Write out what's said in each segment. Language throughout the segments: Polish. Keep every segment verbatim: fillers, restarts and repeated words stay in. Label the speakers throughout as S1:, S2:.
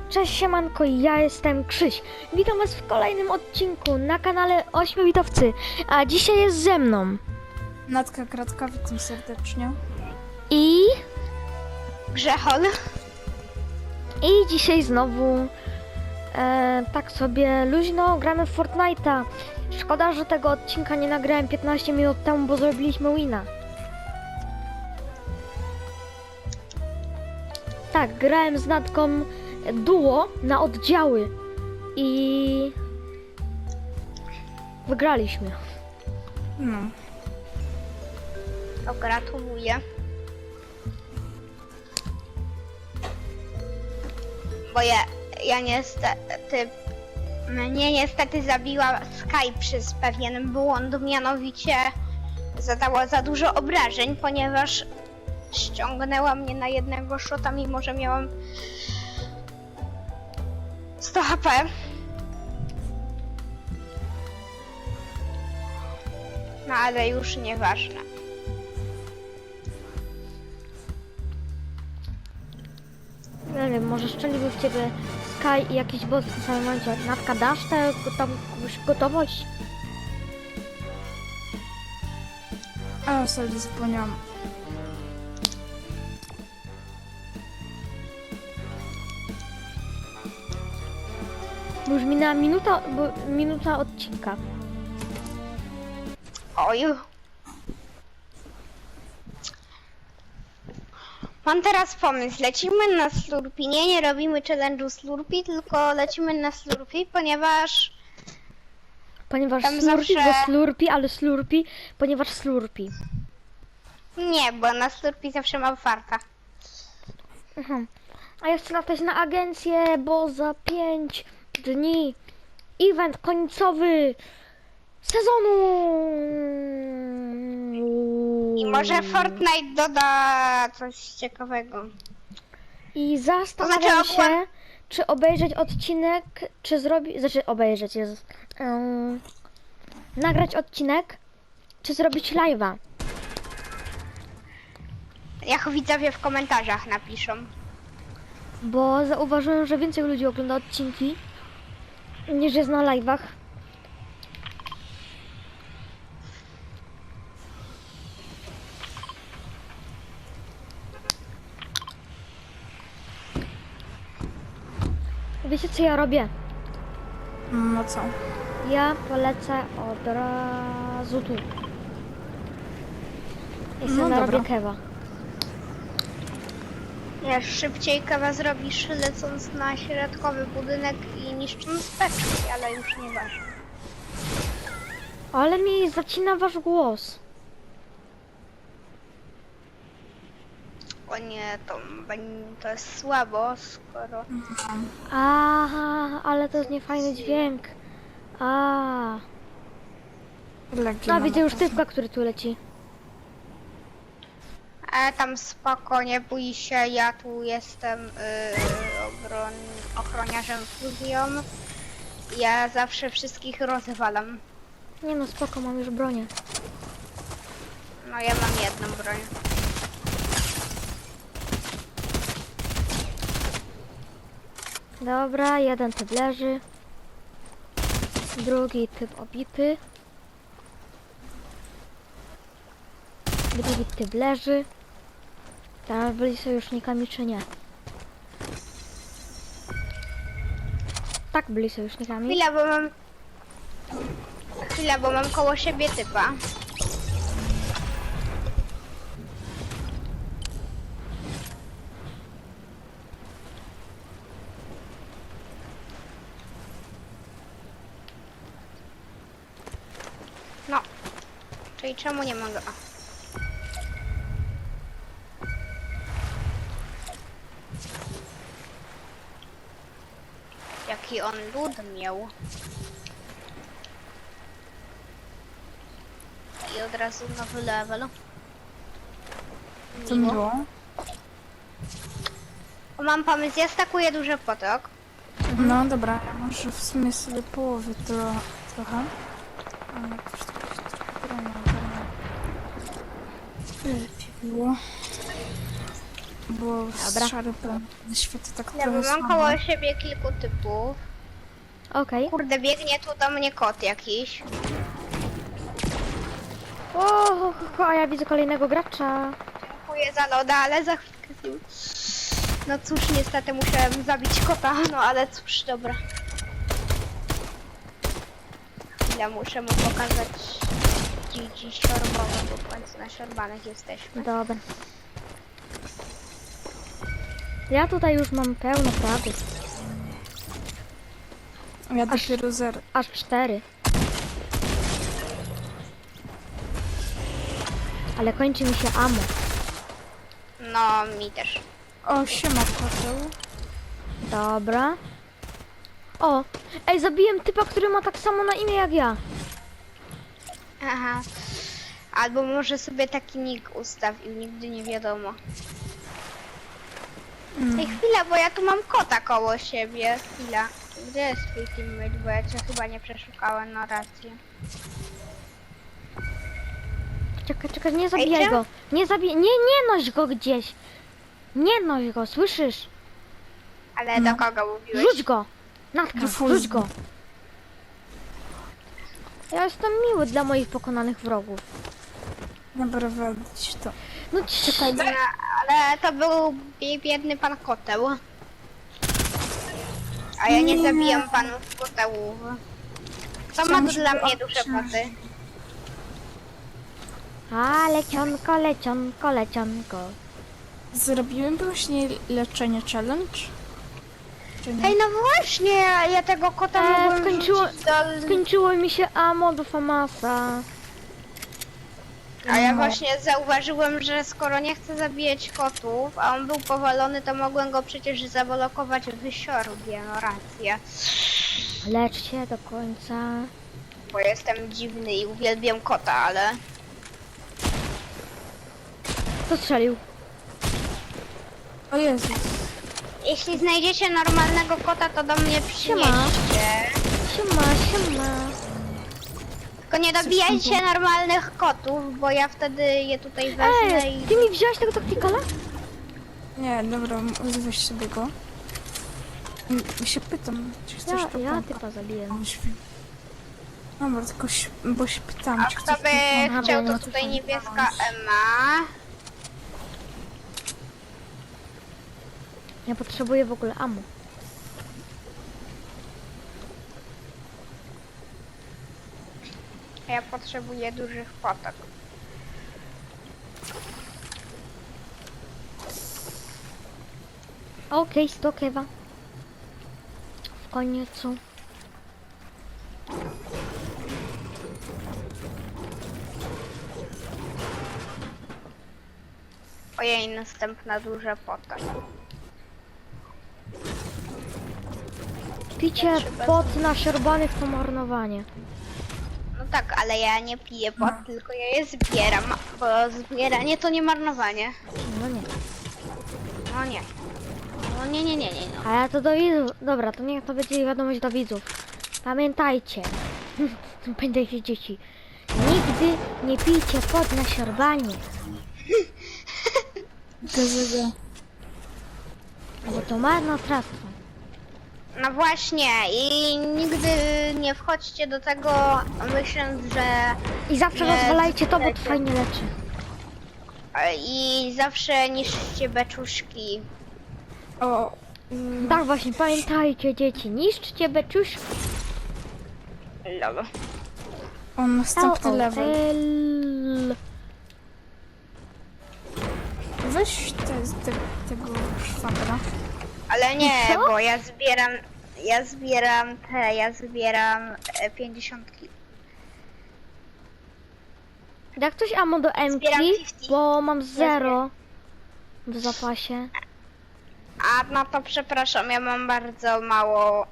S1: Cześć siemanko, ja jestem Krzyś. Witam was w kolejnym odcinku na kanale Ośmiobitowcy. A dzisiaj jest ze mną
S2: Natka Kratka, witam serdecznie.
S1: i...
S3: Grzechol.
S1: I dzisiaj znowu e, tak sobie luźno gramy w Fortnite'a. Szkoda, że tego odcinka nie nagrałem piętnaście minut temu, bo zrobiliśmy wina. Tak, grałem z Natką duo na oddziały i wygraliśmy.
S2: No.
S3: To gratuluję. Bo ja, ja niestety... Mnie niestety zabiła Skype przez pewien błąd, mianowicie zadała za dużo obrażeń, ponieważ ściągnęła mnie na jednego shota, mimo że miałam sto H P. No ale już nieważne.
S1: Nie wiem, może szczeliłby w ciebie Sky i jakiś boss w tym samym momencie. Natka, dasz tę tam jakąś gotowość?
S2: A, sorry, zapomniałam.
S1: Bo już minęła minuta, bo minuta odcinka.
S3: Oj. Mam teraz pomysł. Lecimy na Slurpee. Nie, nie robimy challenge'u Slurpee, tylko lecimy na Slurpee, ponieważ...
S1: Ponieważ
S3: Tam
S1: Slurpee,
S3: zawsze-
S1: bo Slurpee, ale Slurpee, ponieważ Slurpee.
S3: Nie, bo na Slurpee zawsze mam farta.
S1: Mhm. A ja chcę latać na agencję, bo za pięć dni event końcowy sezonu.
S3: I może Fortnite doda coś ciekawego.
S1: I zastanawiam
S3: To znaczy,
S1: się, czy obejrzeć odcinek, czy zrobić, znaczy obejrzeć, Jezus, um, nagrać odcinek, czy zrobić live'a.
S3: Jak widzowie w komentarzach napiszą.
S1: Bo zauważyłem, że więcej ludzi ogląda odcinki niż jest na live'ach. Wiecie co ja robię?
S2: No co?
S1: Ja polecę od razu tu. I sobie
S2: No
S1: narobię
S2: dobra.
S1: kewa.
S3: Nie, szybciej kawa zrobisz lecąc na środkowy budynek i niszcząc beczki, ale już nieważne.
S1: Ale mi zacina wasz głos.
S3: O nie, to, beń- to jest słabo, skoro...
S1: Aha, ale to jest niefajny dźwięk. A,
S2: Leki
S1: no
S2: mam.
S1: widzę już typka, który tu leci.
S3: Ale tam spoko, nie bój się, ja tu jestem yy, obron... ochroniarzem fuzją. Ja zawsze wszystkich rozwalam.
S1: Nie no, spoko, mam już bronię.
S3: No ja mam jedną broń.
S1: Dobra, jeden typ leży. Drugi typ obity. Drugi typ leży. Teraz byli sojusznikami czy nie? Tak, byli sojusznikami.
S3: Chwila, bo mam... Chwila, bo mam koło siebie typa. No. Czyli czemu nie mogę? O. Jaki on lud miał. I od razu nowy level.
S2: Co mi było?
S3: O, mam pomysł, ja stakuję duży potok.
S2: No dobra, ja może w sumie sobie połowy tro trochę. Ale jakoś to się trochę bronią. Lepiej było. bo
S1: Dobra.
S2: szary plan na świecie tak
S3: Ja
S2: trochę
S3: mam
S2: słabo.
S3: koło siebie kilku typów.
S1: Okej.
S3: Kurde, biegnie tu do mnie kot jakiś.
S1: O, ho, ho, ho, a ja widzę kolejnego gracza.
S3: Dziękuję za loda, ale za chwilkę z nim. No cóż, niestety musiałem zabić kota, no ale cóż, dobra. Chwilę, muszę mu pokazać dziś siorbowe, bo w końcu na siorbanych jesteśmy.
S1: Dobra. Ja tutaj już mam pełno prawy.
S2: Ja dopiero zero.
S1: Aż cztery. Ale kończy mi się ammo.
S3: No, mi też.
S2: O, siema, Paweł.
S1: Dobra. O, ej, zabiłem typa, który ma tak samo na imię jak ja.
S3: Aha. Albo może sobie taki nick ustawił, nigdy nie wiadomo.
S2: Mm.
S3: Ej, chwila, bo ja tu mam kota koło siebie. Chwila. Gdzie jest twój teammate, bo ja cię chyba nie przeszukałem, no rację.
S1: Czekaj, czekaj, nie zabijaj
S3: Ej,
S1: go. Nie zabijaj, nie, nie noś go gdzieś. Nie noś go, słyszysz?
S3: Ale
S2: No.
S3: do kogo mówiłeś?
S1: Rzuć go. Natka,
S2: Do
S1: rzuć
S2: fuzji.
S1: go. Ja jestem miły dla moich pokonanych wrogów.
S2: Dobra, walić to.
S1: No
S2: Czekaj,
S3: No, ale to był bie- biedny pan koteł. A ja nie
S2: Nie.
S3: zabijam panów kotełów. To ma
S2: Chciałam,
S3: tu dla
S2: żeby
S3: mnie duże
S2: odciążyć.
S3: koty.
S1: A, lecionko, lecionko, lecionko.
S2: Zrobiłem właśnie leczenie challenge? Czy nie?
S3: Ej, no właśnie, ja ja tego kota
S1: E,
S3: mogłem
S1: skończyło-
S3: wrzucić do...
S1: Skończyło mi się ammo do Famasa.
S3: A ja
S2: No.
S3: właśnie zauważyłem, że skoro nie chcę zabijać kotów, a on był powalony, to mogłem go przecież zablokować w siorbie, no rację.
S1: Lecz się do końca.
S3: Bo jestem dziwny i uwielbiam kota, ale...
S1: Kto strzelił?
S2: O Jezus.
S3: Jeśli znajdziecie normalnego kota, to do mnie przynieście.
S1: Siema, siema.
S3: Tylko nie dobijajcie normalnych kotów, bo ja wtedy je tutaj wezmę
S1: Ej,
S3: i...
S1: ty mi wziąłeś tego taktikala?
S2: Nie, dobra, weź sobie go. Mm, Ja się pytam, czy chcesz
S1: Ja,
S2: to
S1: ja
S2: pompa?
S1: typa zabiję.
S2: On śpi. Dobra, tylko się, bo się pytam,
S3: A
S2: czy
S3: kto
S2: chcesz
S3: by
S1: Aha,
S3: chciał,
S1: bo ja
S3: to
S1: nie
S3: tutaj
S1: słyszałam.
S3: niebieska Ema.
S1: Ja potrzebuję w ogóle ammo.
S3: Ja potrzebuję dużych potok.
S1: Okej, sto kewa. W końcu.
S3: Ojej, następna duża potok.
S1: Picie pot na siorbanych to marnowanie.
S3: No tak, ale ja nie piję pot, tylko ja je zbieram, bo zbieranie to nie marnowanie.
S1: No nie.
S3: No nie. No nie, nie, nie, nie, no.
S1: A ja to do widzów. Dobra, to niech to będzie wiadomość do widzów. Pamiętajcie. Pamiętajcie dzieci. Nigdy nie pijcie pot na siorbanie.
S2: Gazeta.
S1: Bo to marnotrawstwo.
S3: No właśnie i nigdy nie wchodźcie do tego myśląc, że...
S1: I zawsze
S3: Nie,
S1: rozwalajcie to, bo to
S3: lecie.
S1: fajnie leczy.
S3: I zawsze niszczcie beczuszki.
S2: O, mm,
S1: Tak właśnie, pamiętajcie dzieci. Niszczcie beczuszki.
S3: Lol.
S2: o następny level.
S1: L.
S2: Weź te, te, tego szwagra.
S3: Ale nie,
S1: Co?
S3: bo ja zbieram... Ja zbieram te, ja zbieram e, pięćdziesiątki.
S1: Jak ktoś ammo do Emki,
S3: Zbieram pięćdziesiąt.
S1: bo mam zero w zapasie.
S3: A no to przepraszam, ja mam bardzo mało...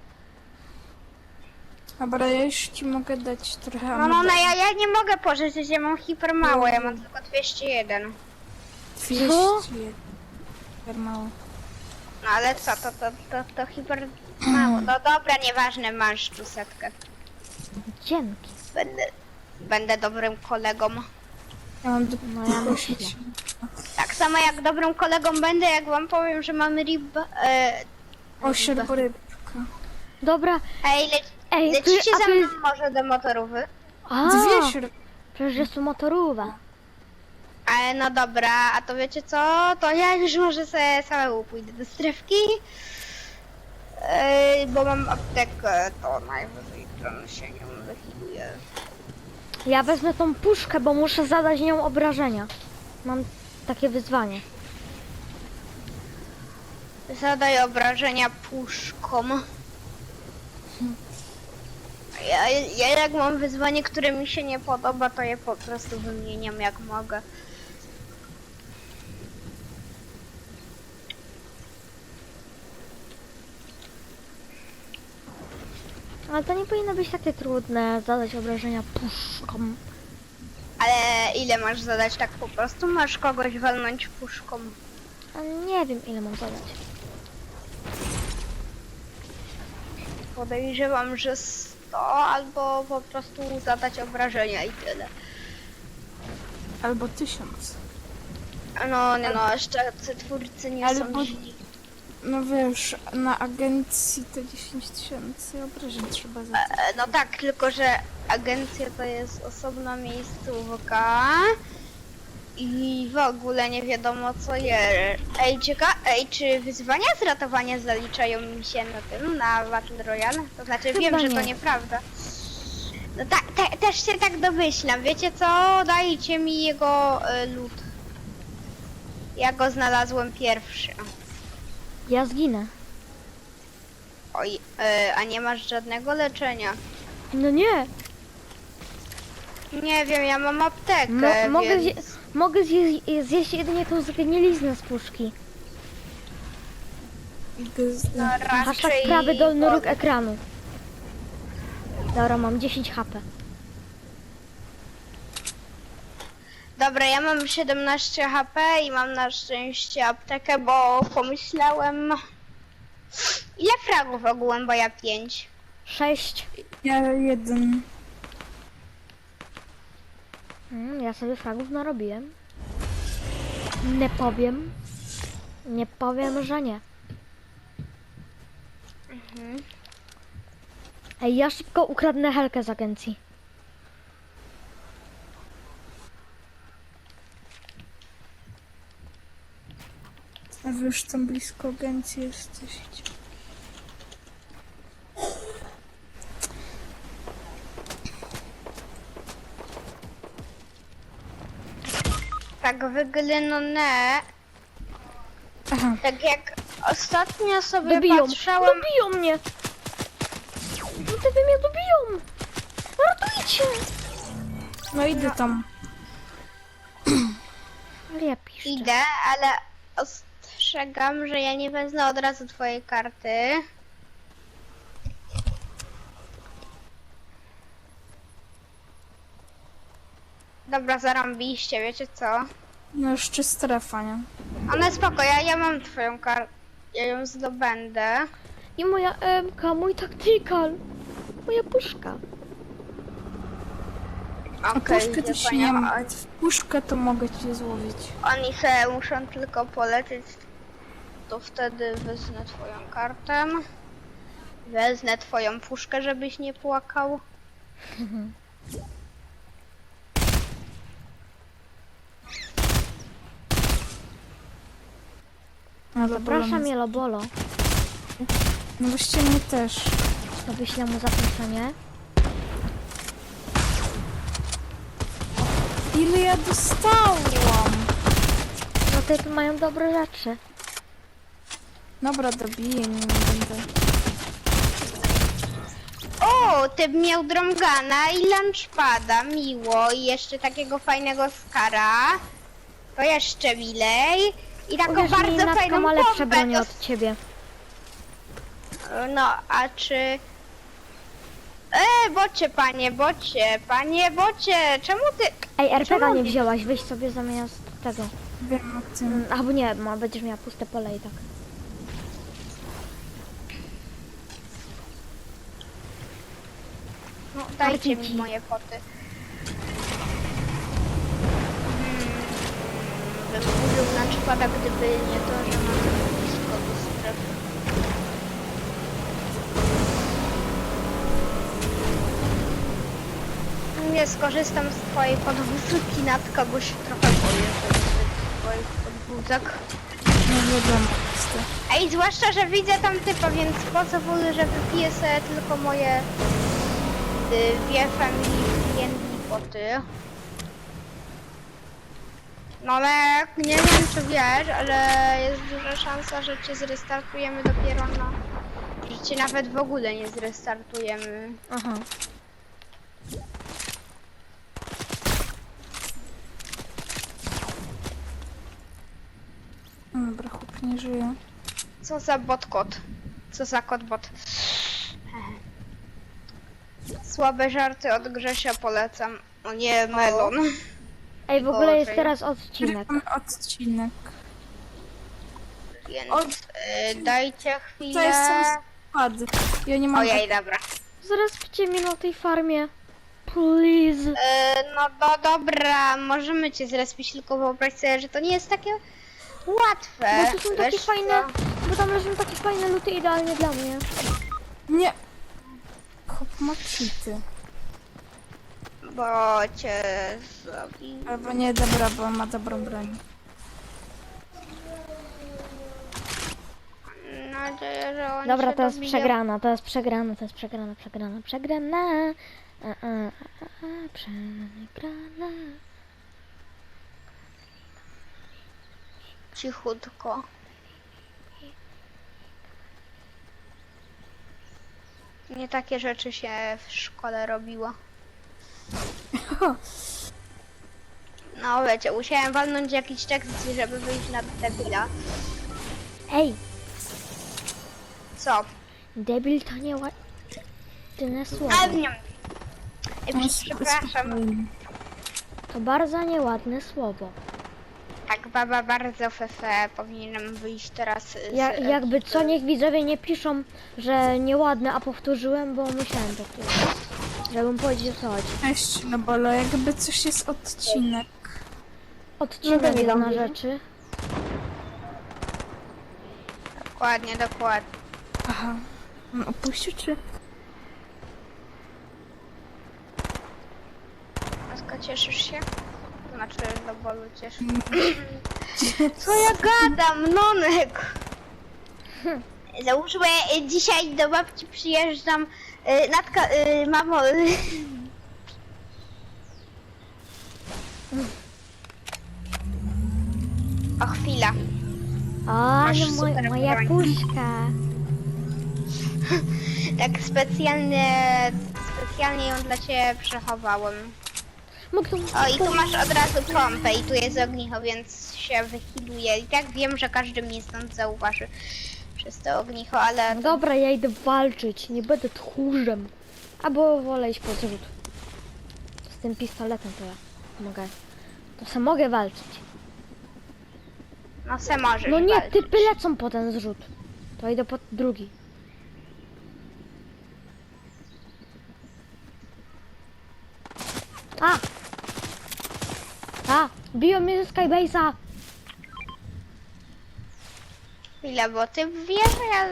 S2: Dobra, ja już ci mogę dać trochę
S3: No no, no ja, ja nie mogę pożyczyć, ja mam hiper mało, ja mam tylko dwieście jeden.
S2: dwieście jeden. Mało.
S3: No ale co, to, to, to, to hiper mało. No dobra, nieważne, masz tu setkę.
S1: Dzięki.
S3: Będę, będę dobrym kolegą.
S2: Ja mam do...
S1: No ja myślę.
S3: Tak, samo jak dobrym kolegą będę, jak wam powiem, że mamy rib... E,
S2: O, sierborybka.
S1: Dobra.
S3: ej, le,
S1: Ej, tu,
S3: lecicie
S1: a
S3: ze
S1: tu
S3: mną
S1: jest...
S3: może do motorówek?
S1: A,
S2: Dwie sierborybki.
S1: przecież jest tu motorowa.
S3: Ale no dobra, a to wiecie co? To ja już może sobie samemu pójdę do strefki. Yy, bo mam aptekę, to najwyżej to się nią wychiluje.
S1: Ja wezmę tą puszkę, bo muszę zadać nią obrażenia. Mam takie wyzwanie.
S3: Zadaj obrażenia puszką. Ja, ja jak mam wyzwanie, które mi się nie podoba, to je po prostu wymieniam jak mogę.
S1: Ale to nie powinno być takie trudne, zadać obrażenia puszką.
S3: Ale ile masz zadać tak po prostu? Masz kogoś walnąć puszką.
S1: A nie wiem ile mam zadać.
S3: Podejrzewam, że sto albo po prostu zadać obrażenia i tyle.
S2: Albo tysiąc.
S3: No, nie no, jeszcze ci twórcy nie
S2: Ale
S3: są
S2: bo-
S3: źli.
S2: No wiesz, na agencji to dziesięć tysięcy obrażeń trzeba zadać.
S3: E, No tak, tylko że agencja to jest osobna miejscówka i w ogóle nie wiadomo co jest. Ej, cieka, ej, czy wyzwania z ratowania zaliczają mi się na tym, na Battle Royale? To znaczy
S1: Chyba
S3: wiem, że to
S1: nie.
S3: nieprawda. No tak, te, też się tak domyślam. Wiecie co? Dajcie mi jego y, lód. Ja go znalazłem pierwszy.
S1: Ja zginę.
S3: Oj, y, a nie masz żadnego leczenia.
S1: No nie.
S3: Nie wiem, ja mam aptekę,
S1: Mo mogę,
S3: więc...
S1: zje mogę zje zjeść jedynie tą zgniliznę z puszki.
S2: Gzda.
S1: Hashtag
S3: raczej...
S1: prawy dolny róg ekranu. Dobra, mam dziesięć H P.
S3: Dobra, ja mam siedemnaście H P i mam na szczęście aptekę, bo pomyślałem... Ile fragów ogółem, bo ja pięć.
S1: sześć.
S2: Ja jeden.
S1: Mm, ja sobie fragów narobiłem. Nie powiem. Nie powiem, że nie.
S3: Mhm.
S1: Ej, ja szybko ukradnę helkę z agencji.
S2: A wy już tam blisko agencji jesteście.
S3: Tak wygląda,
S2: Aha,
S3: tak jak ostatnio sobie
S1: Dobiją.
S3: patrzałem...
S1: Dobiją mnie. No ty mnie dobiją. Ratujcie.
S2: no idę tam.
S1: Ale ja piszczę.
S3: Idę, ale ostrzegam, że ja nie wezmę od razu twojej karty. Dobra, zarąbiście, wiecie co?
S2: No jeszcze strefa, nie?
S3: Ale spoko, ja, ja mam twoją kartę, ja ją zdobędę.
S1: I moja M K, mój tactical. Moja puszka.
S2: A
S3: Okej,
S2: puszkę
S3: okay,
S2: też nie ma. Puszkę to mogę cię złowić.
S3: Oni se muszą tylko polecieć, to wtedy wezmę twoją kartę. Wezmę twoją puszkę, żebyś nie płakał.
S2: No to
S1: Zapraszam Jelobolo.
S2: No właściwie mnie też.
S1: To wyślę mu zaproszenie.
S2: Ile ja dostałam?
S1: No te tu mają dobre rzeczy.
S2: Dobra, dobiję, nie będę.
S3: O, ty miał drągana i lunchpada, miło. I jeszcze takiego fajnego skara. To jeszcze milej. I taką
S1: Uwierz mi,
S3: bardzo
S1: Natka
S3: fajną
S1: ma lepsze
S3: pompę.
S1: bronie
S3: To...
S1: od ciebie.
S3: No, a czy... E, bocie, panie, bocie, panie, bocie, czemu ty...
S1: Ej, R P G
S3: Czemu
S1: nie
S3: nie-
S1: wzięłaś, weź sobie zamiast tego.
S2: Wiem o tym.
S1: Mm, Albo nie, ma, będziesz miała puste pole i tak.
S3: No, dajcie mi
S1: Marcinki.
S3: moje poty. Hmm, bym użył na szkoda, gdyby nie to, że mamy blisko do strefy. Nie skorzystam z twojej podwózki, Natka, bo się trochę boję, że z twoich podwózek.
S2: Nie wiadomo. co.
S3: Ej, zwłaszcza, że widzę tam typa, więc pozwolę, że wypiję sobie tylko moje y, dwie family friendly poty. No ale nie wiem, czy wiesz, ale jest duża szansa, że cię zrestartujemy dopiero na... że cię nawet w ogóle nie zrestartujemy.
S1: Aha.
S2: Dobra, chłop nie żyje.
S3: Co za bot kot? Co za kot bot? Słabe żarty od Grzesia polecam. O nie, melon.
S1: Ej, w ogóle jest
S3: Gorzej.
S1: teraz odcinek.
S2: Mamy odcinek.
S3: Więc
S2: O-
S3: y, dajcie
S2: To jest
S3: chwilę.
S2: sam skład. Ja nie mam...
S3: Ojej, dobra.
S1: Zrespcie mnie na tej farmie. Please.
S3: Y, no do, dobra, możemy cię zrespić, tylko wyobraź sobie, że to nie jest takie łatwe.
S1: Bo tu są takie
S3: Wiesz
S1: fajne,
S3: co?
S1: bo tam leżą takie fajne luty idealnie dla mnie.
S2: Nie. Chłop ma cheaty.
S3: Bo cię zabił.
S2: Albo nie, dobra, bo ma dobrą broń.
S3: Mam nadzieję, że on
S1: Dobra,
S3: się
S1: to jest
S3: dobije.
S1: przegrana, to jest przegrana, to jest przegrana, przegrana, przegrana. A, a, a, a, przegrana.
S3: Cichutko. Nie takie rzeczy się w szkole robiło. No wiecie, musiałem walnąć jakiś tekst, żeby wyjść na debila.
S1: Ej,
S3: Co?
S1: debil to nie ładne słowo.
S3: Ale nie. Ej, przepraszam.
S2: Spokojnie.
S1: To bardzo nieładne słowo.
S3: Tak, baba bardzo fefe, powinienem wyjść teraz z...
S1: Ja, jakby co, niech widzowie nie piszą, że nieładne, a powtórzyłem, bo musiałem powtórzyć. Żebym powiedzieć, o co chodzi.
S2: Cześć, no bolo, jakby coś jest odcinek.
S1: Odcinek no na rzeczy.
S3: Dokładnie, dokładnie.
S2: Aha. On opuścił czy?
S3: Aska, cieszysz się? To znaczy, do bolu cieszę. Co ja gadam, nonek? Załóżmy, y, dzisiaj do babci przyjeżdżam. Y, Natka, y, mamo... Y, o, chwila.
S1: O,
S3: Masz
S1: no moj,
S3: super
S1: moja
S3: broń.
S1: puszka.
S3: Tak specjalnie, specjalnie ją dla ciebie przechowałem.
S1: Mógł tu...
S3: O, i tu masz od razu pompę i tu jest ognicho, więc się wychiluje. I tak wiem, że każdy mnie stąd zauważy przez to ognicho, ale...
S1: Dobra, ja idę walczyć, nie będę tchórzem. Albo wolę iść po zrzut. Z tym pistoletem to ja mogę. To se mogę walczyć.
S3: No se możesz
S1: No nie,
S3: walczyć.
S1: typy lecą po ten zrzut. To idę po drugi. A! A! Biją mnie ze Skybase'a!
S3: Chwila, bo ty wiesz, że ja...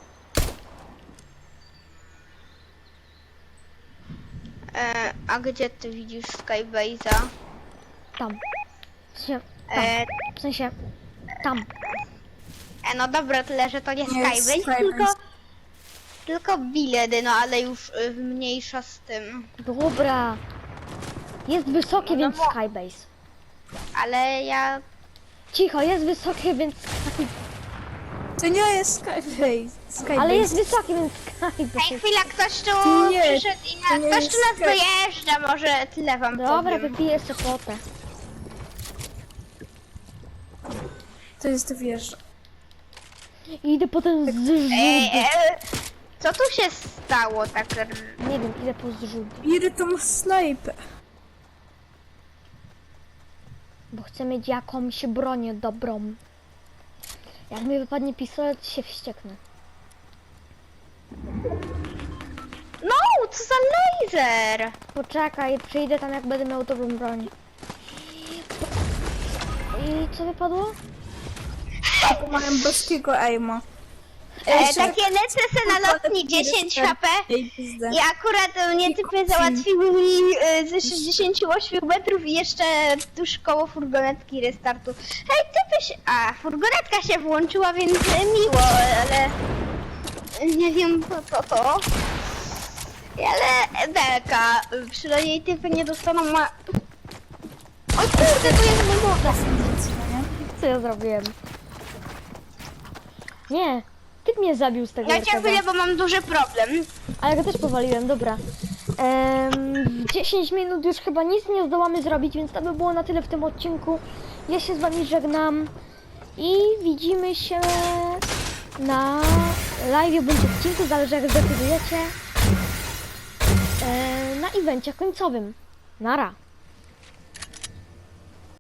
S3: E, a gdzie ty widzisz Skybase'a?
S1: Tam. W sensie, tam.
S3: E,
S1: W sensie, tam.
S3: e, no dobra, tyle, że to nie
S2: Nie,
S3: Skybase,
S2: Skybase.
S3: tylko... Tylko biledy, no ale już y, mniejsza z tym.
S1: Dobra. Jest wysokie,
S3: No, no
S1: więc
S3: bo-
S1: Skybase.
S3: Ale ja...
S1: Cicho, jest wysokie, więc Skybase.
S2: To nie jest Skybase. Skybase.
S1: Ale jest wysokie, więc Skybase.
S3: Ej, chwila, ktoś tu
S2: Nie,
S3: przyszedł i
S2: to
S3: na...
S2: nie
S3: ktoś
S2: jest
S3: tu nas
S2: Sky-
S3: dojeżdża, może tyle wam
S1: Dobra,
S3: powiem.
S1: wypiję jeszcze potę.
S2: To jest wieża.
S1: Idę potem zrzut.
S3: Ej, e, co tu się stało tak? r-
S1: Nie wiem, idę po zrzut.
S2: Bierę tą snajpę.
S1: Bo chcę mieć jakąś bronię dobrą. Jak mi wypadnie pistolet, się wścieknę.
S3: No, co za laser!
S1: Poczekaj, przyjdę tam jak będę miał dobrą broń. I co wypadło?
S2: Tylko mają boskiego aima.
S3: E, takie lecę se na lotni dziesięć H P
S2: Ej, pizdę.
S3: i akurat mnie typy załatwiły mi e, ze sześćdziesięciu ośmiu metrów i jeszcze tuż koło furgonetki restartu. Hej, typy się... A, furgonetka się włączyła, więc e, miło, ale... Nie wiem po co to. Ale belka, przynajmniej typy nie dostaną ma... O kurde, to jest mój woda.
S1: Co ja zrobiłem? Nie, typ mnie zabił z tego
S3: Ja cię
S1: R K D.
S3: chwilę, bo mam duży problem.
S1: A ja go też powaliłem, dobra. Em, w dziesięć minut już chyba nic nie zdołamy zrobić, więc to by było na tyle w tym odcinku. Ja się z wami żegnam i widzimy się na live bądź odcinku, zależy jak zdecydujecie, e, na evencie końcowym. Nara.